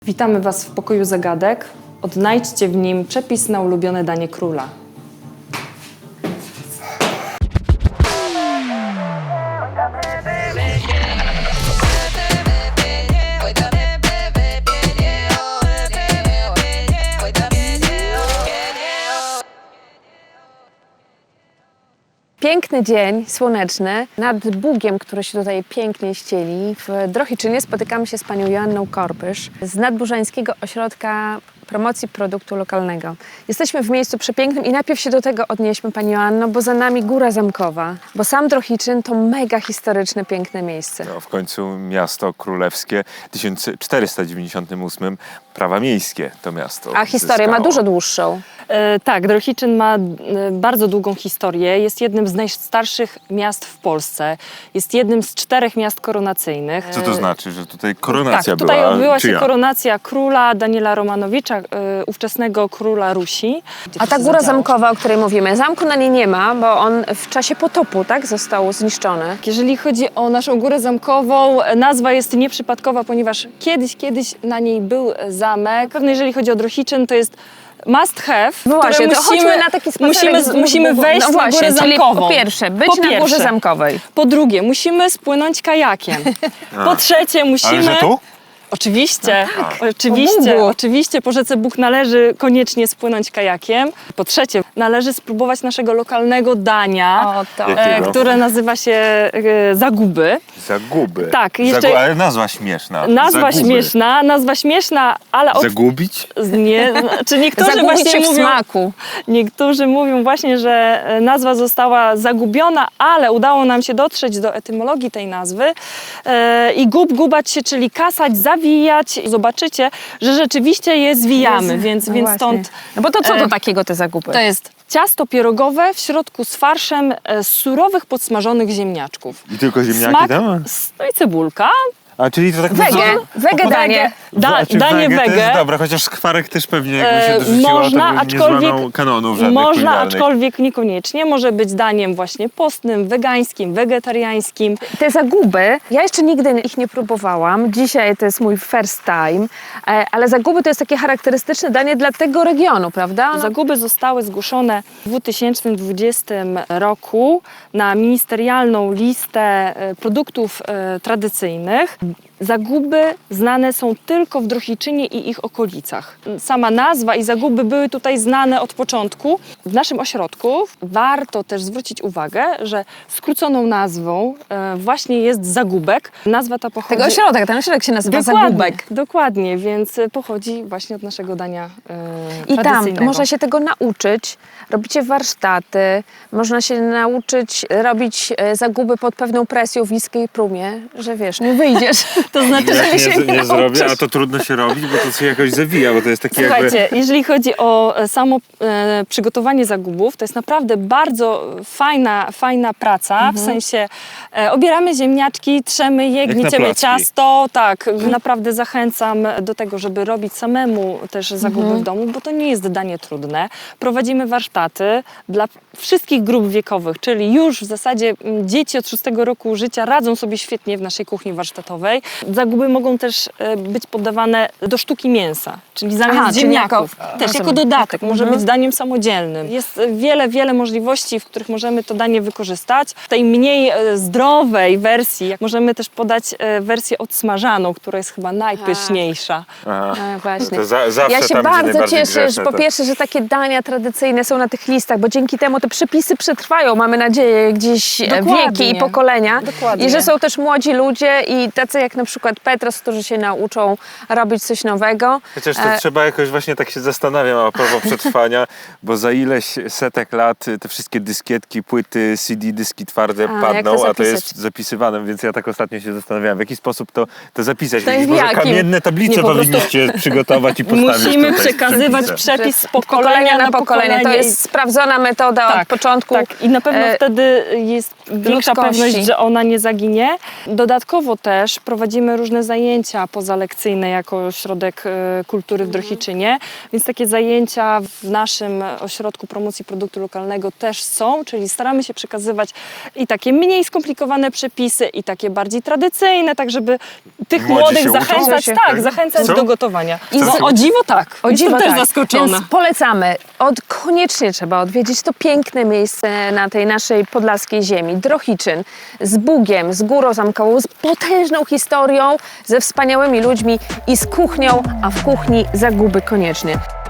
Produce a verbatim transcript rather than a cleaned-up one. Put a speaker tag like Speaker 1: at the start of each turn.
Speaker 1: Witamy Was w pokoju zagadek. Odnajdźcie w nim przepis na ulubione danie króla.
Speaker 2: Piękny dzień, słoneczny, nad Bugiem, który się tutaj pięknie ścieli. W Drohiczynie spotykamy się z panią Joanną Korpysz z Nadburzańskiego Ośrodka Promocji Produktu Lokalnego. Jesteśmy w miejscu przepięknym i najpierw się do tego odnieśmy, pani Joanno, bo za nami Góra Zamkowa, bo sam Drohiczyn to mega historyczne, piękne miejsce.
Speaker 3: No, w końcu miasto królewskie, w tysiąc czterysta dziewięćdziesiątym ósmym prawa miejskie to miasto
Speaker 2: A historię ma
Speaker 3: zyskało.
Speaker 2: dużo dłuższą.
Speaker 1: E, tak, Drohiczyn ma e, bardzo długą historię. Jest jednym z najstarszych miast w Polsce. Jest jednym z czterech miast koronacyjnych.
Speaker 3: Co to znaczy, że tutaj koronacja
Speaker 1: tak, tutaj
Speaker 3: była?
Speaker 1: odbyła się
Speaker 3: czyja?
Speaker 1: koronacja króla Daniela Romanowicza, e, ówczesnego króla Rusi.
Speaker 2: A ta Góra Zamkowa, o której mówimy, zamku na niej nie ma, bo on w czasie potopu, tak, został zniszczony.
Speaker 1: Jeżeli chodzi o naszą Górę Zamkową, nazwa jest nieprzypadkowa, ponieważ kiedyś, kiedyś na niej był zamek. Pewnie jeżeli chodzi o Drohiczyn, to jest must have,
Speaker 2: No właśnie,
Speaker 1: które
Speaker 2: to
Speaker 1: musimy,
Speaker 2: chodźmy na taki spacerek
Speaker 1: musimy,
Speaker 2: wzdłuż
Speaker 1: musimy
Speaker 2: Bugu.
Speaker 1: wejść
Speaker 2: no
Speaker 1: na
Speaker 2: właśnie,
Speaker 1: Górę
Speaker 2: czyli
Speaker 1: Zamkową.
Speaker 2: Po pierwsze, być
Speaker 1: Po
Speaker 2: na Górze
Speaker 1: pierwsze.
Speaker 2: Zamkowej.
Speaker 1: Po drugie, musimy spłynąć kajakiem. Po trzecie, musimy...
Speaker 3: Ale że tu?
Speaker 1: Oczywiście,
Speaker 2: No tak,
Speaker 1: oczywiście,
Speaker 2: po Bugu.
Speaker 1: oczywiście po rzece Bóg należy koniecznie spłynąć kajakiem. Po trzecie, należy spróbować naszego lokalnego dania,
Speaker 2: O, to.
Speaker 3: Jakiego?
Speaker 1: e, które nazywa się e, zaguby.
Speaker 3: Zaguby.
Speaker 1: Tak, jeszcze-
Speaker 3: Zagu... Ale nazwa śmieszna.
Speaker 1: Nazwa
Speaker 3: Zaguby.
Speaker 1: śmieszna, nazwa śmieszna, ale od...
Speaker 3: Zagubić?
Speaker 1: nie, czy niektórzy
Speaker 2: Zagubić
Speaker 1: właśnie
Speaker 2: się w
Speaker 1: mówią,
Speaker 2: smaku.
Speaker 1: niektórzy mówią właśnie, że e, nazwa została zagubiona, ale udało nam się dotrzeć do etymologii tej nazwy e, i gub, gubać się, czyli kasać, zawijać. Zobaczycie, że rzeczywiście je zwijamy,
Speaker 2: Jezu,
Speaker 1: więc,
Speaker 2: no
Speaker 1: więc
Speaker 2: właśnie.
Speaker 1: stąd
Speaker 2: No bo to co to
Speaker 1: e,
Speaker 2: takiego te zakupy?
Speaker 1: to jest ciasto pierogowe w środku z farszem e, z surowych, podsmażonych ziemniaczków.
Speaker 3: I tylko ziemniaki
Speaker 1: Smak,
Speaker 3: tam?
Speaker 1: s- no i cebulka.
Speaker 3: A czyli to tak
Speaker 2: Wege,
Speaker 3: mocno-
Speaker 2: wege danie.
Speaker 1: Da,
Speaker 3: A czy
Speaker 1: danie
Speaker 3: wege. To
Speaker 1: wege.
Speaker 3: jest dobre, chociaż skwarek też pewnie jakby się
Speaker 1: E,
Speaker 3: dorzuciło,
Speaker 1: można,
Speaker 3: to by nie
Speaker 1: aczkolwiek-
Speaker 3: złamał kanonów żadnych
Speaker 1: Można,
Speaker 3: kulinarnych.
Speaker 1: aczkolwiek niekoniecznie. Może być daniem właśnie postnym, wegańskim, wegetariańskim.
Speaker 2: Te zaguby, ja jeszcze nigdy ich nie próbowałam. Dzisiaj to jest mój first time, e, ale zaguby to jest takie charakterystyczne danie dla tego regionu, prawda? No,
Speaker 1: Zaguby zostały zgłoszone w dwa tysiące dwudziestym roku na ministerialną listę e, produktów e, tradycyjnych. Zaguby znane są tylko w Drohiczynie i ich okolicach. Sama nazwa i zaguby były tutaj znane od początku. W naszym ośrodku warto też zwrócić uwagę, że skróconą nazwą e, właśnie jest zagubek. Nazwa ta pochodzi...
Speaker 2: tego ośrodek, ten ośrodek się nazywa Zagubek.
Speaker 1: Dokładnie, więc pochodzi właśnie od naszego dania e,
Speaker 2: I tam
Speaker 1: tradycyjnego.
Speaker 2: można się tego nauczyć. Robicie warsztaty, można się nauczyć robić e, zaguby pod pewną presją w niskiej próbie, że wiesz, nie wyjdziesz.
Speaker 1: To znaczy, że
Speaker 3: Jak
Speaker 1: się
Speaker 3: nie, nie
Speaker 1: nauczysz.
Speaker 3: zrobię, a to trudno się robić, bo to się jakoś zawija, bo to jest takie
Speaker 1: Słuchajcie,
Speaker 3: jakby...
Speaker 1: jeżeli chodzi o e, samo e, przygotowanie zagubów, to jest naprawdę bardzo fajna, fajna praca, w sensie e, obieramy ziemniaczki, trzemy je,
Speaker 3: Jak na
Speaker 1: gnieciemy
Speaker 3: placki.
Speaker 1: ciasto, tak, naprawdę zachęcam do tego, żeby robić samemu też zaguby w domu, bo to nie jest danie trudne. Prowadzimy warsztaty dla wszystkich grup wiekowych, czyli już w zasadzie m, dzieci od szóstego roku życia radzą sobie świetnie w naszej kuchni warsztatowej. Zaguby mogą też e, być poddawane do sztuki mięsa, czyli zamiast
Speaker 2: Aha, czyli
Speaker 1: ziemniaków.
Speaker 2: jako-
Speaker 1: też
Speaker 2: rozumiem.
Speaker 1: jako dodatek, może
Speaker 2: Mhm.
Speaker 1: być daniem samodzielnym. Jest wiele, wiele możliwości, w których możemy to danie wykorzystać. W tej mniej e, zdrowej wersji jak możemy też podać e, wersję odsmażaną, która jest chyba najpyszniejsza.
Speaker 3: Aha.
Speaker 2: No właśnie.
Speaker 3: To za, zawsze
Speaker 2: Ja się
Speaker 3: tam, gdzie
Speaker 2: bardzo
Speaker 3: najbardziej
Speaker 2: cieszę,
Speaker 3: grzeszne,
Speaker 2: że po
Speaker 3: to-
Speaker 2: pierwsze, że takie dania tradycyjne są na tych listach, bo dzięki temu te przepisy przetrwają, mamy nadzieję, gdzieś e,
Speaker 1: Dokładnie.
Speaker 2: wieki i pokolenia.
Speaker 1: Dokładnie.
Speaker 2: I że są też młodzi ludzie i tacy jak na przykład Petros, którzy się nauczą robić coś nowego.
Speaker 3: Chociaż to
Speaker 2: E,
Speaker 3: trzeba jakoś właśnie tak się zastanawiam a propos przetrwania, bo za ileś setek lat te wszystkie dyskietki, płyty, C D, dyski twarde
Speaker 2: A, jak
Speaker 3: padną,
Speaker 2: to
Speaker 3: a to jest
Speaker 2: zapisać?
Speaker 3: zapisywane, więc ja tak ostatnio się zastanawiałem, w jaki sposób to, to zapisać.
Speaker 2: To jest
Speaker 3: Może
Speaker 2: w jakim?
Speaker 3: kamienne tablice
Speaker 1: Nie, po prostu-
Speaker 3: powinniście przygotować i postawić
Speaker 1: Musimy
Speaker 3: tutaj w
Speaker 1: przekazywać
Speaker 3: przepisach.
Speaker 1: przepis z
Speaker 2: Że
Speaker 1: pokolenia na pokolenie.
Speaker 2: To
Speaker 1: i-
Speaker 2: jest sprawdzona metoda od
Speaker 1: Tak,
Speaker 2: początku.
Speaker 1: Tak, i na pewno
Speaker 2: e,
Speaker 1: wtedy jest większa
Speaker 2: ludzkości.
Speaker 1: pewność, że ona nie zaginie. Dodatkowo też prowadzimy prowadzimy różne zajęcia pozalekcyjne jako Ośrodek e, Kultury w Drohiczynie, więc takie zajęcia w naszym Ośrodku Promocji Produktu Lokalnego też są, czyli staramy się przekazywać i takie mniej skomplikowane przepisy, i takie bardziej tradycyjne, tak żeby tych
Speaker 3: Młodzi
Speaker 1: młodych
Speaker 3: się uczą?
Speaker 1: zachęcać,
Speaker 2: Się-
Speaker 1: tak, zachęcać
Speaker 3: Co?
Speaker 1: do gotowania.
Speaker 3: Chcą
Speaker 1: No,
Speaker 3: się
Speaker 1: o dziwo tak,
Speaker 2: O dziwo,
Speaker 1: jestem też
Speaker 2: tak.
Speaker 1: zaskoczona.
Speaker 2: Więc polecamy. Od, koniecznie trzeba odwiedzić to piękne miejsce na tej naszej podlaskiej ziemi. Drohiczyn z Bugiem, z Górą Zamkową, z potężną historią, ze wspaniałymi ludźmi i z kuchnią, a w kuchni zaguby koniecznie.